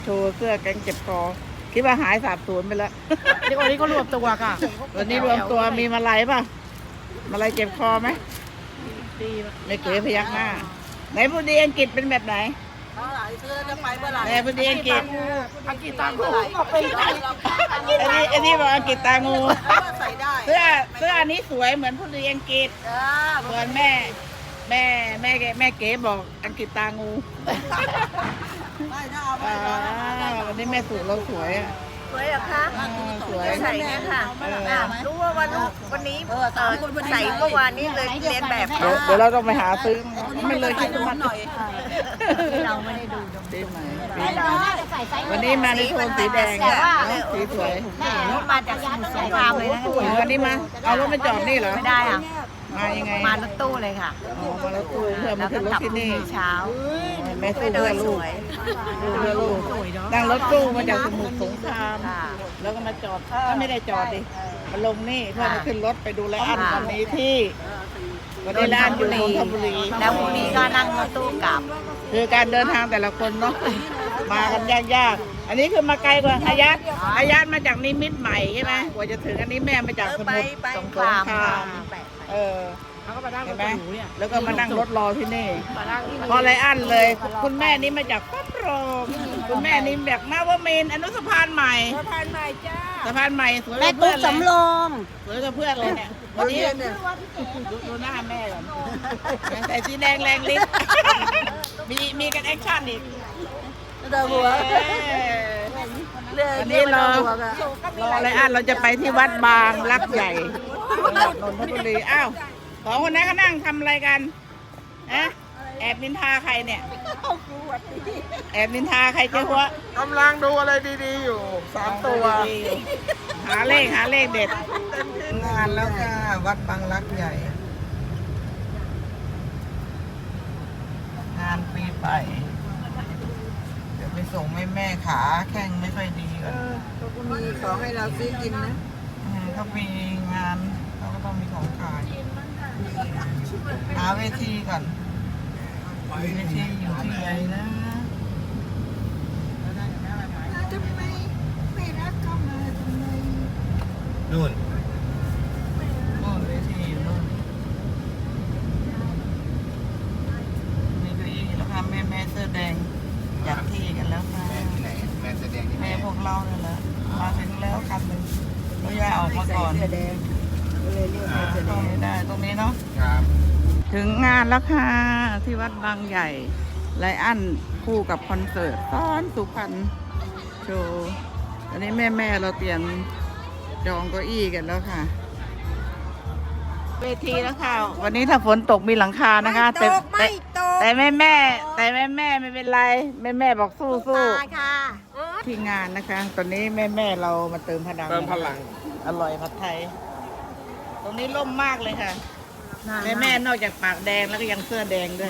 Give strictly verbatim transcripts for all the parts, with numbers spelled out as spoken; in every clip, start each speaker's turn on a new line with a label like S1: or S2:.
S1: โชว์เสื้อแก๊งเจ็บคอคิดว่าหายสาบสูญไปแล้ว
S2: นี่วันนี้ก็รวมตัวค่ะ
S1: วันนี้รวมตัวมีมาลัยป่ะมาลัยเจ็บคอไหม
S2: ดี
S1: ไม่เก๋พยักหน้าไหนพูดดีอังกฤษเป็นแบบไหน
S3: ซื้อจะไปเมื่อไหร่
S1: ไหนพูดดีอังกฤษ
S2: อังกฤษตามกู
S3: เอาไปได้
S1: อันนี้อันนี้บอกอังกฤษตางู
S3: ใส่ได้
S1: เสื้อเสื้ออันนี้สวยเหมือนพูดดีอังกฤษ
S3: จ้า
S1: ส่วนแม่แม่แม่แม่เก๋บอกอังกฤษตางู
S3: ไม่ถ้าเอาไป
S1: อ่าวันนี้แม่สูตรเราสวยอ่ะ
S4: สวยเหรอคะ
S1: อ่าสวย
S4: ใส่เนี่ยค่ะอ่ะรู้ว่าวันลูกวันนี้เออใส่เมื่อวานนี้เลยเรียนแบบ
S1: เดี๋ยวเดี๋ยวเราต้องไปหาซื้อไม่เลยคิดว่า
S3: หน่อย
S4: เราไม่ได้ดู
S1: ดีไหม
S4: เราน่าจะใส่ไซส์
S1: วันนี้มาในโทนสีแดง
S4: แต่ว่า
S1: สีสวย
S4: แม่มาจากสมุทรสงครามเลยนะ
S1: วันนี้มาเอารถมาจอดนี่เหรอ
S4: ไม่ได้อ่ะ
S1: มายังไง
S4: มารถตู้เลยค่ะ
S1: อ๋อมารถตู้เพื่อมา
S4: แล้ว
S1: ขึ้
S4: ก็
S1: นรถ
S4: กลับ
S1: ที่
S4: พรุ่ง
S1: นี่
S4: นี้เช้า
S1: แม่สู้
S4: เดิ
S1: เพื่อน
S4: ส
S1: ลูก
S4: วย
S1: สู้เพื่อลูกนั่งรถตู้มาจากสมุทรสงคราม
S4: ค่ะ
S1: แล้วก็มาจอดถ้าไม่ได้จอดดิมาลงนี่เพื่อมาขึ้นรถไปดูแลอันวันนี้ที่วันนี้ร้านอยู่นนทบุรี
S4: แล้วพรุ่งนี้ก็นั่งรถตู้กลับ
S1: คือการเดินทางแต่ละคนเนาะมากันยากๆอันนี้คือมาไกลกว่าอายัดอายัดมาจากนิมิตรใหม่ใช่ไหมกว่าจะถึงอันนี้แม่มาจากสมุทรสงครามเออ
S2: เขาก็มานั่งร
S1: เห็
S2: ถ
S1: นไหม
S2: หรูเนี่ย
S1: แล้วก็มานั่งรถรอที่นี่
S2: มานั่งที่
S1: พอไรอันเลย คุณแม่นี่มาจากปั๊บโรงคุณแม่นี่แบบนาวมินทร์อนุสะพานใหม่
S3: สะพานใหม่จ้า
S1: สะพานใหม่สวยก
S4: แม่
S1: ว่าเพื่
S4: ตุ๊
S1: อก นเลย
S4: สำรอง
S1: สวยกับเพื่อนเลยเนี่ยวันนี้ดูดูหน้าแม่ก่อนใส่สีแดงแรงลิ้นมีมีกันแอคชั่นอีก
S3: เดินหัว
S1: เออวันนี้รอรออะไรอ่ะเราจะไปที่วัดบางรักใหญ่จังหวัดนนทบุรีอ้าวสองคนนั้นเขานั่งทำอะไรกันนะแอบนินทาใครเนี่ยแอบนินทาใครเจ้าหัว
S2: กำลังดูอะไรดีๆอยู่สามตัว
S1: หาเลขหาเลขเด็ด
S3: งานแล้วค่ะวัดบางรักใหญ่ งานปีใหม่เดี๋ยวไปส่งแม่แม่ขาแข้งไม่ค่อยดีก็
S4: เขาก็มีของให้เราซื้อกินนะ
S3: เขามีงานเขาก็ต้องมีของขายหาเวทีก่อนเวทีอยู่ที่ไหนนะทำไมไม่รักเข้ามาทำไม
S5: นู่น
S3: โน่นเวทีอยู่โน่นมีเก้าอี้แล้วค่ะแม่แม่เสื้อแดงจัดที่กันแล้วค่ะ
S5: แม่ที่ไหนแม่แสดงที่ไหน
S3: แม่พวกเราเนี่ยแหละมาถึงแล้วคันหนึ่งก็ย่าออกมาก่อนตรงนี้ได้ตรงนี้เนาะ
S5: ครับ
S1: ถึงงานแล้วค่ะที่วัดบางใหญ่ไลอันคู่กับคอนเสิร์ตซ้อนสุพรรณโชว์อันนี้แม่แม่ๆเราเตรียมจองเก้าอี้กันแล้วค่ะ เวทีแล้วค่ะ วันนี้ถ้าฝนตกมีหลังคานะคะแต่แต่แต่แม่แม่ๆแต่แม่แม่ๆไม่เป็นไรแม่แม่ๆบอกสู้สู้
S4: ค่ะ
S1: ที่งานนะคะ ตอนนี้แม่แม่ๆเรามาเติมพลัง
S5: เติมพลัง
S1: อร่อยผัดไทย ตรงนี้ร่มมากเลยค่ะ แม่แม่ๆนอกจากปากแดงแล้วก็ยังเสื้อแดงด้วย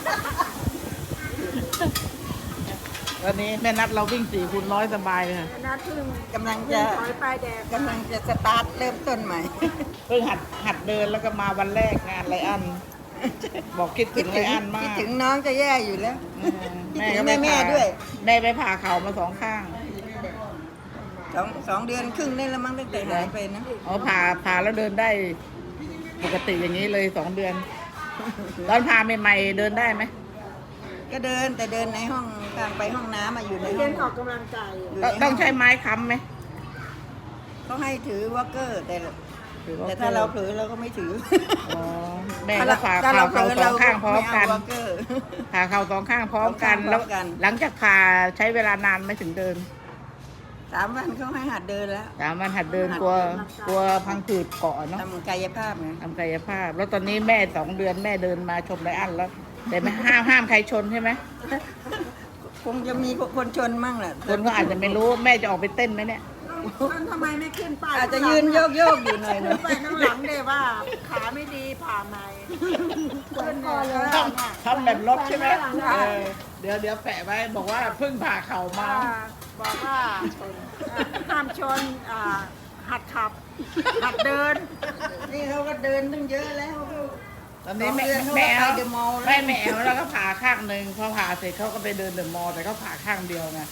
S1: วันนี้แม่นัดเราวิ่งสี่คูณร้อยสบายเลยค่ะ
S4: นัดพึ่ง
S3: กำลังจะกำลังจะสตาร์ทเริ่มต้นใหม่
S1: เพิ่งหัดหัดเดินแล้วก็มาวันแรกงานไรอัน บอกคิดถึงไรอันมา
S3: คิด
S1: ก
S3: ถึงน้องจะแย่อยู่แล้ว
S1: เออแม่ก็
S3: คิดถึง
S1: ไป
S3: แม่
S1: ผ่า
S3: ๆด้วย
S1: แม่ไปผ่าเข่ามาสองข้าง
S3: สองสองเดือนครึ่งนี่แล้วมั้งตั้งแต่หายไปนะ
S1: อ๋อผ่าผ่าแล้วเดินได้ปกติอย่างนี้เลยสองเดือน ตอนผ่าใหม่ๆเดินได้ไหม
S3: ก็เดินแต่เดินในห้องข้างไปห้องน้ำมาอยู่ในห้องออกกำลังกาย
S1: ต้องใช้ไม้ค้ำไหม
S3: เขาให้ถือวอลเกอร์แต่
S1: ถือว่
S3: แต่ถ้าเราเผลอเราก็ไม่ถือ
S1: อ๋อแม่ก็ผ่า
S3: ถ้
S1: เข่า
S3: เผ
S1: เข่า
S3: ล
S1: สองข้างพร้อมกัน
S3: ไเาวอลเกอร์
S1: ผ่าเข่าสองข้างพร้อมกัน
S3: สองข้างพร้
S1: แล้ว
S3: อมกัน
S1: หลังจากผ่าใช้เวลานานไหม่ถึงเดิน
S3: สามวันเขาให้หัดเดินแล้ว
S1: สามวันหัดเดินกลัวกลัวพังผืดเกาะเนาะ
S3: ทำกายภาพไง
S1: ทำกายภาพ แล้วตอนนี้แม่สองเดือนแม่เดินมาชมไรอันแล้ว แต่ไม่ห้ามห้ามใครชนใช่ไหม
S3: คงจะมีคนชนมั่งแหละ
S1: คนก็อาจจะไม่รู้แม่จะออกไปเต้นไหมเนี่ย
S4: ทำไมไม่ขึ้นไป
S3: อาจจะยืนโยกโยกๆอยู่หน่อยหนึง
S4: ไปข้างหลังเลยว่าขาไม่ดีผ่าไหมขึ้นก่อนเลย
S1: ทำทำแบบรถใช่ไหมเออเดี๋ยวเดี๋ยวแปะไว้บอกว่าเพิ่งผ่าเข่ามา
S4: บอกว่าห้ามชนอ่าหัดขับ หัดเดิน
S3: นี่เขาก็เดินตั้งเยอะแล้ว
S1: ตอนนี้แม่
S3: สองเดือนเขาก็
S1: แม่
S3: ไป
S1: เอา
S3: เดอะมอลล์แล้ว
S1: แม่แม่เอาแล้วก็ผ่าข้างหนึ่งพอผ่าเสร็จเขาก็ไปเดินเดอะมอลล์แต่เขาผ่าข้างเดียวไง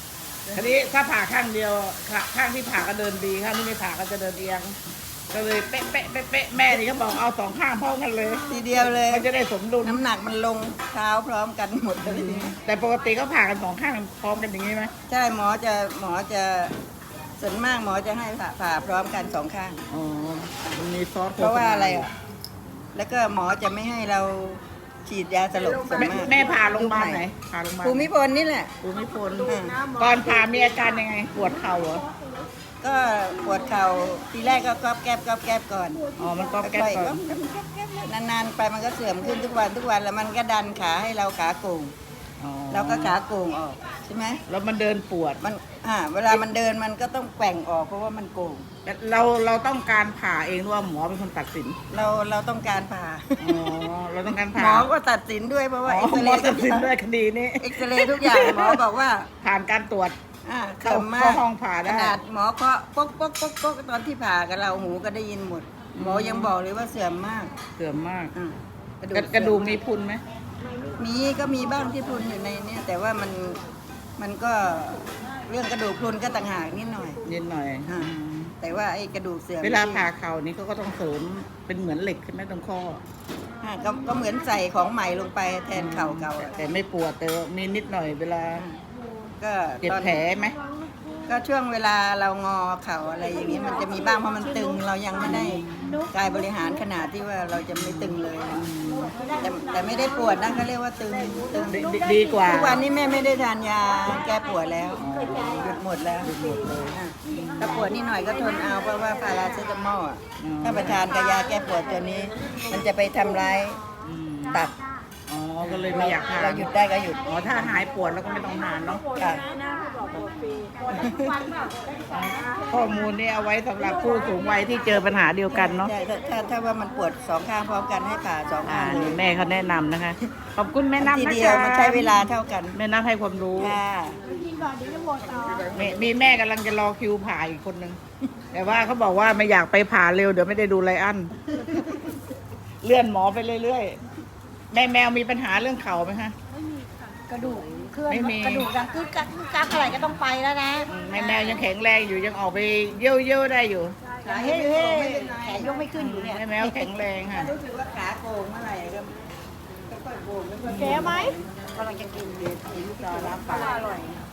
S2: ทีนี้ถ้าผ่าข้างเดียวขาข้างที่ผ่าก็เดินดีข้างที่ไม่ผ่าก็จะเดินเอียงก็เลยเป๊ะเป๊ะเป๊ะเป๊ะแม่นี่เขาบอกเอาสองข้างพร้อมกันเลย
S3: ทีเดียวเลย
S2: มันจะได้สมดุล
S3: น้ำหนักมันลงเท้าพร้อมกันหมดเลย
S2: แต่ปกติเขาผ่ากันสองข้างพร้อมกันอย่างนี้ไหม
S3: ใช่หมอจะหมอจะส่วนมากหมอจะให้ผ่าผ่าพร้อมกันสองข้าง
S2: อ๋อมันมีซอส
S3: เพราะว่าอะไรอ่ะแล้วก็หมอจะไม่ให้เราฉีดยาสลบส่วน
S2: แม่
S3: มาก
S2: แม่ผ่าโรงพยาบาลไหนผ่าโรงพยาบาล
S3: ภูมิพลนี่แหละ
S2: ภูมิพล
S3: อ่า
S2: ก่อนผ่ามีอาการยังไงปวดเข่าเหรอ
S3: ก็ปวดเข่าทีแรกก็ก๊อบแก๊บก๊อบแก๊บก่อน
S2: อ๋อมันก็แก้
S3: ค่อยๆ
S2: ก่
S3: ก๊
S2: อ
S3: อน บแก๊บก๊อบแก๊บนานๆไปมันก็เสื่อมขึ้นทุกวันทุกวันแล้วมันก็ดันขาให้เราขาโก่ง
S2: อ๋อ
S3: เราก็ขาโก่งออกใช่ไหม
S2: แล้วมันเดินปวด
S3: มันอ่าเวลามันเดินมันก็ต้องแกว่งออกเพราะว่ามันโก่ง
S2: เราเราต้องการผ่าเองหรือว่าหมอเป็นคนตัดสิน
S3: เราเราต้องการผ่า
S2: อ๋อเราต้องการ
S3: ห
S2: ผ่าม
S3: อก็ตัดสินด้วยเพราะว่า
S2: อ๋อ
S3: เอ็กซ
S2: หม
S3: เร
S2: อ
S3: ย์
S2: ตัดสินด้วยคดีนี้
S3: เอ็กซเรย์ทุกอย่างหมอบอกว่า
S2: ผ่านการตรวจ
S3: อ่า
S2: เข้า
S3: เสื่อมมา
S2: เข้าก ห้องผ่าได้
S3: ขนาดหมอเคาะป๊กป๊กป๊กป๊กตอนที่ผ่ากับเราหูก็ได้ยินหมด หมอยังบอกเลยว่าเสื่อมมาก
S2: เสื่อมมาก
S3: อ่าก
S2: ระกระดูกมี
S3: เสื่อ
S2: พุนไหม
S3: มีก็มีบ้างที่พรุนอยู่ในเนี่ยแต่ว่ามันมันก็เรื่องกระดูกพรุนก็ต่างหากนิดหน่อย
S2: นิดหน่อย
S3: อ่า แต่ว่าไอ้กระดูกเสื่อม
S2: เวลาผ่าเข่านี้เขาก็ต้องเสริมเป็นเหมือนเหล็กใช่ไหมตรงข้อ
S3: อ่าก็ก็เหมือนใส่ของใหม่ลงไปแทนเข่าเก่าอะ
S2: แต่ไม่ปวดแต่ว่ามีนิดหน่อยเวลา
S3: ก็
S2: เจ็บ
S3: ตอน
S2: แผลไหม
S3: ก็ช่วงเวลาเรางอเข่าอะไรอย่างนี้มันจะมีบ้างเพราะมันตึงเรายังไม่ได้กายบริหารขนาดที่ว่าเราจะไม่ตึงเลยนะแต่แต่ไม่ได้ปวดนะเขาเรียกว่าตึงตึง
S2: ดีดีดีกว่า
S3: ทุกวันนี้แม่ไม่ได้ทานยาแก้ปวดแล้วหยุดหมดแล้วอ่ะถ้าปวดนิดหน่อยก็ทนเอาเพราะว่าพาราเซตามอลอ่ะถ้าไปทานกับยาแก้ปวดตัวนี้ มันจะไปทำร้าย
S2: อืม
S3: ตับ
S2: อ๋อก็เลยไม่อยากทาน
S3: เราหยุดได้ก็หยุด
S2: อ๋อถ้าหายปวดแล้วก็ไม่ต้องทานเนาะ
S3: ค่ะ
S2: ข้อมูลนี้เอาไว้สำหรับผู้สูงวัยที่เจอปัญหาเดียวกันเนาะ
S3: ใช่ถ้าถ้าถ้าว่ามันปวดสองข้างพร้อมกันให้ผ่าสอง
S2: อ่า
S3: ข้างเล
S2: นี่
S3: ย
S2: แม่เขาแนะนำนะคะ ขอบคุณแม่น้ำ
S3: ที
S2: นะ
S3: เดียว
S2: คะ
S3: มันใช้เวลาเท่ากัน
S2: แม่น้ำให้ความรู้
S3: ค่ะ
S2: มีมีแม่กำลังจะรอคิวผ่าอีกคนนึง แต่ว่าเขาบอกว่าไม่อยากไปผ่าเร็วเดี๋ยวไม่ได้ดูไลอัน เลื่อนหมอไปเรื่อยๆ แม่แมวมีปัญหาเรื่องเข่าไหมคะ
S4: กระดูกเคลื่อน
S2: ไม่มี
S4: กระดูกดังกึกกักกึกกักอะไรก็ต้องไปแล้วนะ
S2: อืมแม่แมวยังแข็งแรงอยู่ยังออกไปเยี่ยวเยี่ยวๆได้อยู่
S4: เฮ้ยเฮ้ยแขนยกไม่ขึ้นอยู่เนี่ย
S2: แม่แมวแข็งแรงค่ะ
S3: รู้สึกว่าขาโกงเมื่อไหร่ก็ค่อยๆโกงค่อยๆโกง
S4: แกไหม
S3: กำลังจะกินเดี๋ยวกินต่อรับปาก
S4: อร่อย